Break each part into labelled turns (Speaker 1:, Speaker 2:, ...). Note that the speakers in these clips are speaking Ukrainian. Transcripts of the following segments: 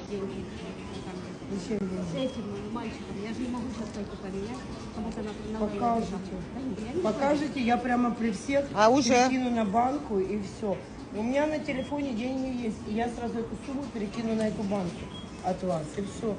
Speaker 1: деньги.
Speaker 2: Зачем деньги?
Speaker 1: С этим мальчиком. Я же не могу сейчас только поменять, потому что на
Speaker 2: Покажете.
Speaker 1: Я не
Speaker 2: Покажете, я прямо при всех
Speaker 3: А уже?
Speaker 2: перекину на банку и все. У меня на телефоне деньги есть, и я сразу эту сумму перекину на эту банку от вас, и все.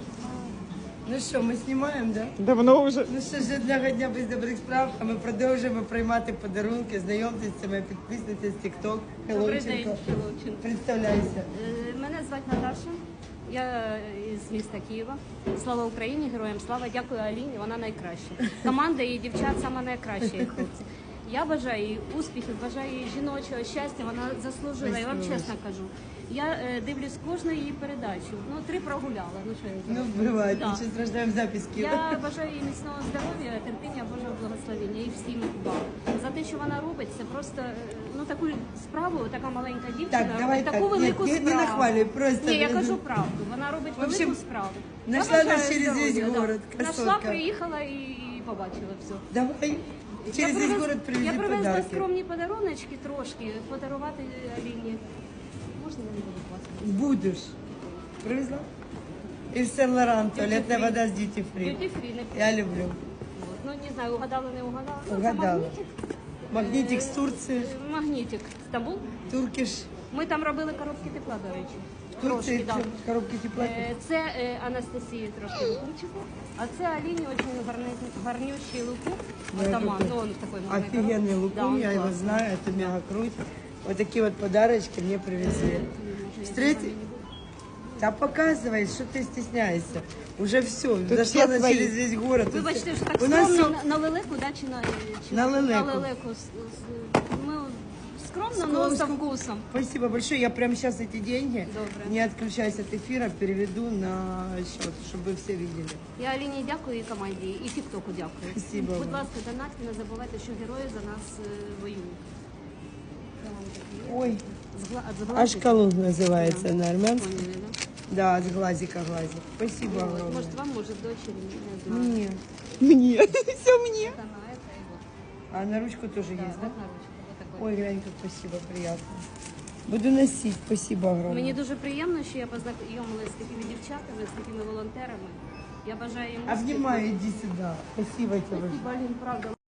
Speaker 2: Ну що, ми знімаємо, да?
Speaker 3: Давно вже.
Speaker 2: Ну що ж, одного дня без добрих справ, а ми продовжуємо приймати подарунки. Знайомтесь, це моя підписниця з TikTok.
Speaker 1: Добрий день,
Speaker 2: Хеллоученко.
Speaker 1: Хеллоученко.
Speaker 2: Представляйся.
Speaker 1: Мене звати Наташа. Я з міста Києва. Слава Україні, героям слава. Дякую Аліні, вона найкраща. Команда і дівчат саме найкращі, і хлопці. Я бажаю їй успіхів, бажаю їй жіночого щастя, вона заслужила, я вам чесно кажу. Я дивлюсь кожну її передачу. Ну, 3 прогуляла. Ну, що я
Speaker 2: Ну,
Speaker 1: зроблю?
Speaker 2: буває,
Speaker 1: Да.
Speaker 2: ще страждаємо записки.
Speaker 1: Я бажаю їй міцного здоров'я, терпіння, Божого благословення і всім вам. За те, що вона робить, це просто ну, таку справу, така маленька дівчина
Speaker 2: Так, давай
Speaker 1: робить таку
Speaker 2: так.
Speaker 1: велику
Speaker 2: Ні,
Speaker 1: справу.
Speaker 2: не нахвалюй, просто.
Speaker 1: Ні, я кажу правду. Вона робить
Speaker 2: В общем,
Speaker 1: велику справу.
Speaker 2: знайшла
Speaker 1: Я
Speaker 2: нас
Speaker 1: бажаю
Speaker 2: через весь
Speaker 1: здоров'я,
Speaker 2: город,
Speaker 1: да.
Speaker 2: красотка.
Speaker 1: Знайшла, приїхала і побачила все.
Speaker 2: Давай. Через весь город
Speaker 1: Я
Speaker 2: привези
Speaker 1: привезла
Speaker 2: подарки.
Speaker 1: скромні подаруночки трошки, подарувати Аліні. Можна я не буду класти?
Speaker 2: Будеш. Привезла? І Сен Лоран, туалетна
Speaker 1: Duty-free.
Speaker 2: вода з Duty Free.
Speaker 1: Duty free, не
Speaker 2: Я люблю.
Speaker 1: Вот. Ну, не знаю, угадала, не угадала. Ну, це
Speaker 2: Угадала.
Speaker 1: магнітик.
Speaker 2: Магнітик з Турції,
Speaker 1: Магнітик. Стамбул.
Speaker 2: Туркіш.
Speaker 1: Ми там робили коробки тепла, до речі.
Speaker 2: В Турції
Speaker 1: Трошки, да.
Speaker 2: коробки тепла.
Speaker 1: Це Анастасії трошки лукумчику, а це Аліні дуже гарнющий лукум. Атаман, ну он в такой маленькой
Speaker 2: Офигенный
Speaker 1: коробке. Да,
Speaker 2: лукум,
Speaker 1: он
Speaker 2: я его
Speaker 1: классный.
Speaker 2: знаю, это мега круть. Вот такие вот подарочки мне привезли. Встретить? Да показывай, что ты стесняешься. Уже все, зашла
Speaker 3: все
Speaker 2: на
Speaker 3: твои.
Speaker 2: через весь город.
Speaker 1: Вибачте, що так
Speaker 2: У нас
Speaker 1: скромно
Speaker 2: все
Speaker 1: на лелеку, да, чи
Speaker 2: На лелеку.
Speaker 1: На лелеку. Ми скромно, но со вкусом.
Speaker 2: Спасибо большое. Я прямо сейчас эти деньги,
Speaker 1: Добре.
Speaker 2: не отключаясь от эфира, переведу на счет, чтобы вы все видели.
Speaker 1: Я Аліні дякую і команді, і Тіктоку дякую.
Speaker 2: Спасибо
Speaker 1: Будь
Speaker 2: вам.
Speaker 1: ласка, донатьте, не забувайте, що герої за нас воюють.
Speaker 2: Ой,
Speaker 1: Згладити.
Speaker 2: ашкалун называется на армянском.
Speaker 1: Поняли, да?
Speaker 2: Да, от глазика глазик. Спасибо
Speaker 1: Вот.
Speaker 2: огромное.
Speaker 1: Может, вам, может, дочери, не знаю.
Speaker 2: Мне.
Speaker 3: Мені. Все мені.
Speaker 1: Это на это и вот.
Speaker 2: А на ручку тоже
Speaker 1: Да,
Speaker 2: есть, да?
Speaker 1: вот на ручку, вот такой.
Speaker 2: Ой, глянь, как спасибо, приятно. Буду носить, спасибо огромное.
Speaker 1: Мені дуже приємно, що я познайомилася з такими дівчатами, з такими волонтерами. Я бажаю їм успіху.
Speaker 2: Обнимаю, иди сюда. Спасибо тебе.
Speaker 1: Спасибо, Алін, правда.